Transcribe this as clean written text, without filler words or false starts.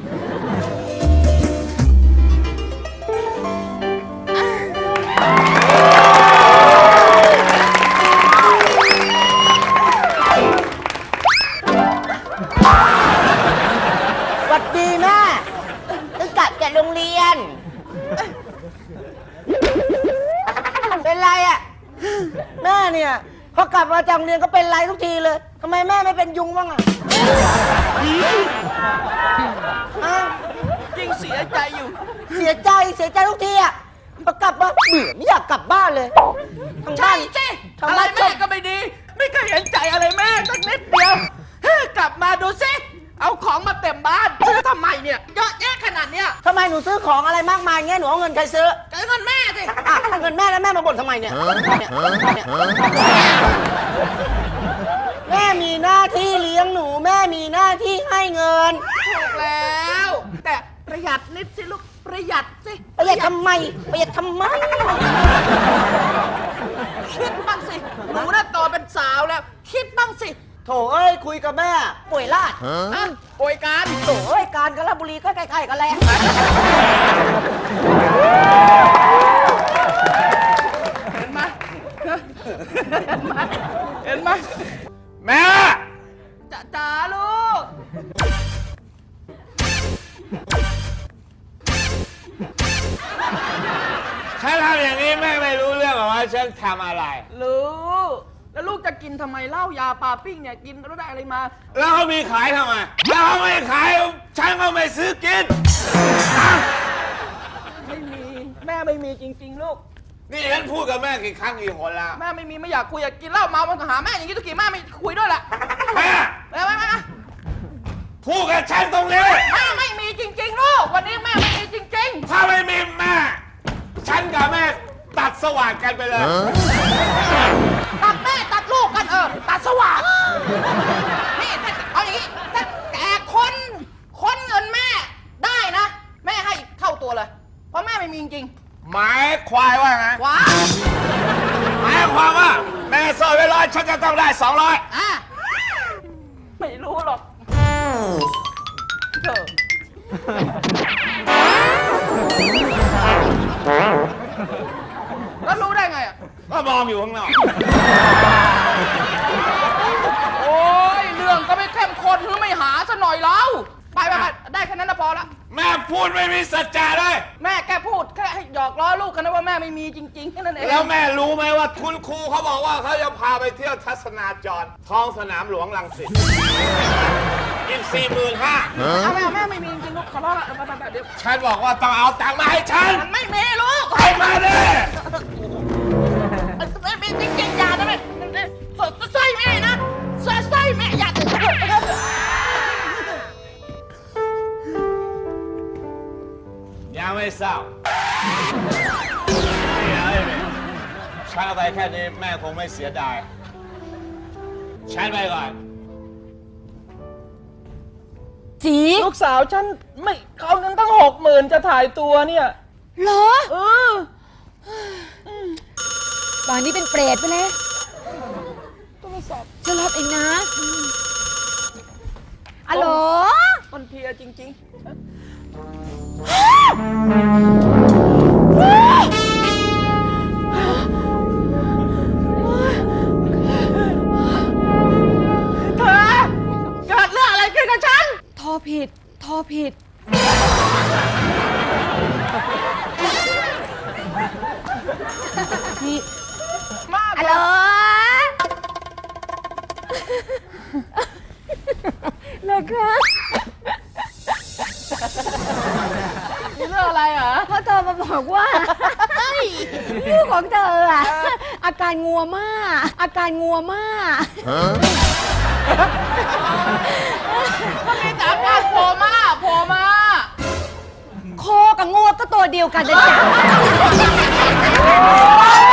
สวัสดีแม่ตั้งกลับจากโรงเรียน เป็นไรอ่ะแม่เนี่ยพอกลับมาจากโรงเรียนก็เป็นไรทุกทีเลยทำไมแม่ไม่เป็นยุงบ้างอ่ะยิ่งเสียใจอยู่เสียใจทุกทีอ่ะพอกลับมาเบื่อไม่อยากกลับบ้านเลยใช่สิอะไรแม่ก็ไม่ดีไม่เคยเห็นใจอะไรแม่สักนิดเดียวกลับมาดูสิเอาของมาเต็มบ้านซื้อทำไมเนี่ยเยอะแยะขนาดเนี้ยทำไมหนูซื้อของอะไรมากมายเงี้ยหนูเอาเงินใครซื้อเงินแม่สิเงินแม่แล้วแม่มาบ่นทำไมเนี่ยแม่มีหน้าที่เลี้ยงหนูแม่มีหน้าที่ให้เงินถูกแล้วแต่ประหยัดนิดสิลูกประหยัดสิประหยัดทำไมคิดบ้างสิหนูน่ะโตเป็นสาวแล้วคิดบ้างสิโถเอ้ยคุยกับแม่ป่วยลาดป่วยการโถเอ้ยการกาฬบุรีก็ใกล้ๆกันแหละเห็นไหมแม่จ๋าลูกฉันทำอย่างนี้แม่ไม่รู้เรื่องหรอว่าฉันทำอะไรรู้แล้วลูกจะกินทำไมเหล้ายาปลาปิ้งเนี่ยกินแล้วได้อะไรมาแล้วเขามีขายทำไมแล้วเขาไม่ขายฉันก็ไม่ซื้อกินไม่มีแม่ไม่มีจริงๆลูกนี่ฉันพูดกับแม่กี่ครั้งกี่คนแล้วแม่ไม่มีไม่อยากคุยอยากกินเหล้าเมามันก็หาแม่อย่างนี้ทุกทีแม่ไม่คุยด้วยแหละแม่พูดกับฉันตรงนี้แม่ไม่มีจริงๆลูกวันนี้แม่ไม่มีจริงๆถ้าไม่มีแม่ฉันกับแม่ตัดสว่างกันไปเลยตัดแม่ตัดลูกกันตัดสว่างนี่เอาอย่างนี้ถ้าแกคนเงินแม่ได้นะแม่ให้เท่าตัวเลยเพราะแม่ไม่มีจริงหมายความว่าไงว้าหมายความว่าแม่ซ่อนไว้100ฉันจะต้องได้200 ไม่รู้หรอกแล้วรู้ได้ไงอ่ะก็มองอยู่ข้างนอกโอ้ยเรื่องก็ไม่เข้มข้นหรือไม่หาซะหน่อยแล้วไปได้แค่นั้นพอละแม่พูดไม่มีสัจจะเลยแม่แค่พูดแค่ให้หยอกล้อลูกกันนะว่าแม่ไม่มีจริงๆแค่นั้นเองแล้วแม่รู้ไหมว่าคุณครูเขาบอกว่าเขาจะพาไปเที่ยวทัศนาจรท้องสนามหลวงรังสิตอีกแม่ไม่มีจริงๆลูกขอร้องละเดี๋ยวฉันบอกว่าต้องเอาตังค์มาให้ฉันมันไม่มีลูกเอามาดิไม่มีจริงๆอย่านะแม่สร้อยแม่นะสร้อยแม่อย่ายังไม่เศร้าฉันเอาไปแค่นี้แม่คงไม่เสียดายฉันไปก่อนจีลูกสาวฉันไม่เอาเงินตั้ง60,000จะถ่ายตัวเนี่ยเหรอป่านนี้เป็นเปรตไปแล้วต้องสอบจะรับเองนะอะโหลมันเพลียจริงๆเกิดเรื่องอะไรขึ้นกับฉันโทรผิดนี่ฮัลโหลนะคะมีเรื่องอะไรเหรอพ่อโทรมาบอกว่าลูกของเธออาการงัวมากก็มีแต่อาการโผล่มาโคกับงัวก็ตัวเดียวกันนะจ๊ะ